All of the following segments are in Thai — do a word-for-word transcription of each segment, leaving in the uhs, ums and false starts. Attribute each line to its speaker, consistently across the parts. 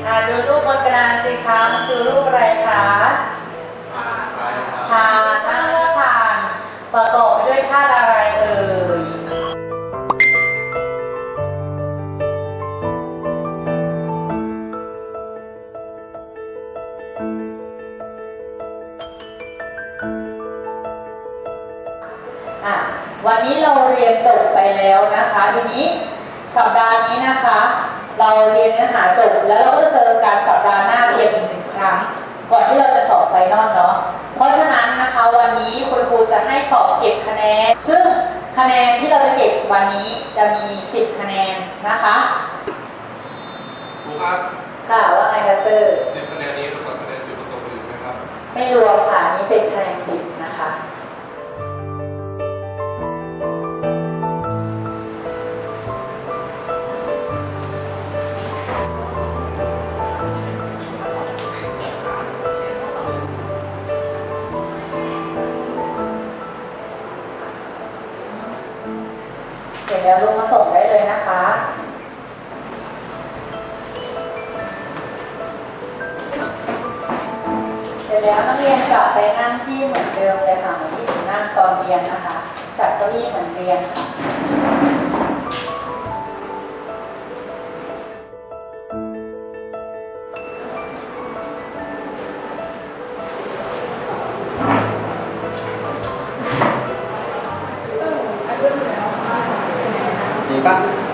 Speaker 1: อ่าดูรูปบนกระดานสิคะมันคือรูปอะไรคะทานนั่งทานประกอบไปด้วยธาตุอะไรเอ่ยอ่ะวันนี้เราเรียนจบไปแล้วนะคะทีนี้สัปดาห์นี้นะคะเราเรียนเนื้อหาจบแล้วเราก็จะเจอการสัปดาห์หน้าเพียงอีกหนึ่งครั้งก่อนที่เราจะสอบไฟนอลเนาะเพราะฉะนั้นนะคะวันนี้คุณครูจะให้สอบเก็บคะแนนซึ่งคะแนนที่เราจะเก็บวันนี้จะมีสิบคะแนนนะคะ
Speaker 2: ครูครับ
Speaker 1: ค่ะว่าไงคะเตอร์
Speaker 2: สิบคะแนนนี้รวมกับคะแนนจุดประสงค์อื่นไหมครับ
Speaker 1: ไม่รวมค่ะนี่เป็นคะแนนดิบนะคะเสร็จแล้วลงมาส่งได้เลยนะคะเสร็จแล้วนักเรียนกลับไปนั่งที่เหมือนเดิมเลยค่ะเหมือนที่หนูนั่งตอนเรียนนะคะจัดเก้าอี้เหมือนเรียนค่ะ
Speaker 3: จริงปะ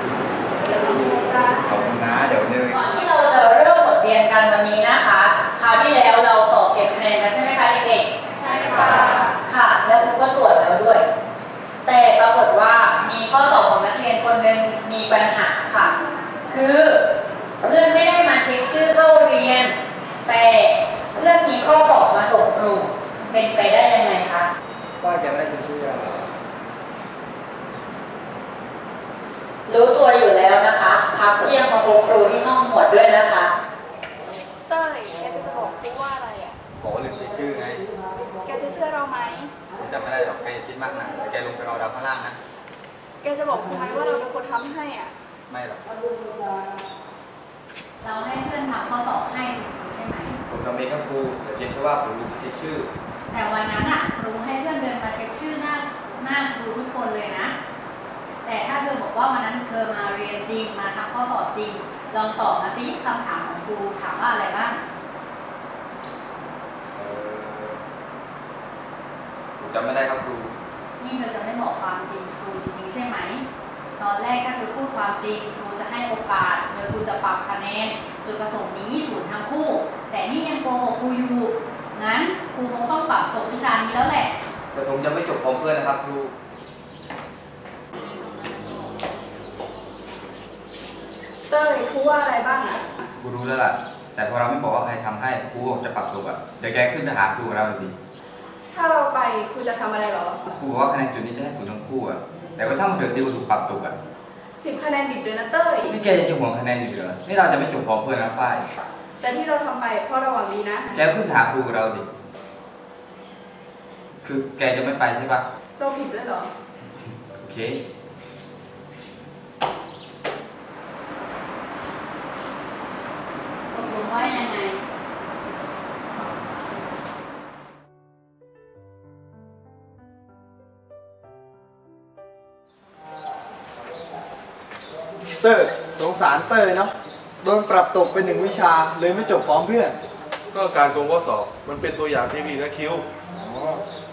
Speaker 3: ขอบคุณนะเดี๋ยวนึง
Speaker 1: ก่อนที่เราจะเริ่มบทเรียนกันวันนี้นะคะคราวที่แล้วเราสอบเก็บคะแนนกันใช่ไหมคะเด็กๆใช่ค่ะค่ะแล้วครูก็ตรวจแล้วด้วยแต่ปรากฏว่ามีข้อสอบของนักเรียนคนหนึ่งมีปัญหาค่ะคือเพื่อนไม่ได้มาเช็คชื่อเข้าเรียนแต่เพื่อนมีข้อสอบมาส่งครูเป็นไปได้ยังไงคะ
Speaker 3: ว่าแกไม่ได้ชื่อชื่อเหรอ
Speaker 1: รู้ตัวอยู่แล้วนะคะพักเที่ยงมาพบครูที่ห้องหมวดด้วยนะคะ
Speaker 4: เต้ยแกจะบอกครูว่าอะไรอ่ะ
Speaker 3: บอกว่าลืมเช็คชื่อไง
Speaker 4: แกจะเชื่อเราไหม
Speaker 3: จำไม่ได้หรอกแกคิดมากนะแกลงไปรอดาวข้างล่างนะ
Speaker 4: แกจะบอกครูไหมว่าเราเป็นคนทำให้อ่ะ
Speaker 3: ไม่หรอก
Speaker 1: เราให้เพื่อนทำข้อสอบให้ใช่ไหม
Speaker 3: ผมทำเองครับครูแต่เพียงแค่ว่าผมลืมเช็คชื่อ
Speaker 1: แต่วันนั้นอ่ะครูให้เพื่อนเดินมาเช็คชื่อหน้าหน้าครูทุกคนเลยนะแต่ถ้าเธอบอกว่าวันนั้นเธอมาเรียนจริงมาทำข้อสอบจริงลองตอบมาสิคำถามของครูถามว่าอะไรบ้าง
Speaker 3: ผมจำไม่ได้ครับครู
Speaker 1: นี่เธอจะไม่บอกความจริงครูจริงๆใช่ไหมตอนแรกถ้าเธอพูดความจริงครูจะให้โอกาสโดยครูจะปรับคะแนนโดยประสงค์นี้ศูนย์ทั้งคู่แต่นี่ยังโกหกครูอยู่งั้นครูคงต้องปรับตกวิชานี้แล้วแหละ
Speaker 3: แต่ผมจะไม่จบพร้อมเพื่อนนะครับครู
Speaker 4: เต้ยครูว่าอะไรบ้างอ่ะ
Speaker 3: ครูรู้แล้วล่ะแต่พอเราไม่บอกว่าใครทำให้ครูบอกจะปรับตัวอ่ะเดี๋ยวแกขึ้นไปหาครูเราเลยดิ
Speaker 4: ถ้าเราไปครูจะทำอะไรหรอ
Speaker 3: ครูบอกว่าคะแนนจุดนี้จะให้ศูนย์ทั้งคู่อ่ะแต่ก็ช่างมันเถอะที่ครูถูกปรับตกอ่ะ
Speaker 4: สิบคะแนนดิบเลยนะเต้ย
Speaker 3: นี่แกยังจะห่วงคะแนนอยู่เหรอนี่เราจะไม่จบพร้อมเพื่อนนะฝ้าย
Speaker 4: แต่ที่เราทำไปเพราะเราหวังดีนะ
Speaker 3: แกขึ้นหาครูเราดิคือแกจะไม่ไปใช่ปะ
Speaker 4: เราผิดด้วยหรอ
Speaker 3: โอเค
Speaker 1: ตกลงว่ายังไง
Speaker 5: เตอร์สงสารเตอร์เนาะโดนปรับตกเป็นหนึ่งวิชาเลยไม่จบพร้อมเพื่อน
Speaker 2: ก็การโกงข้อสอบมันเป็นตัวอย่างที่ดีนะคิว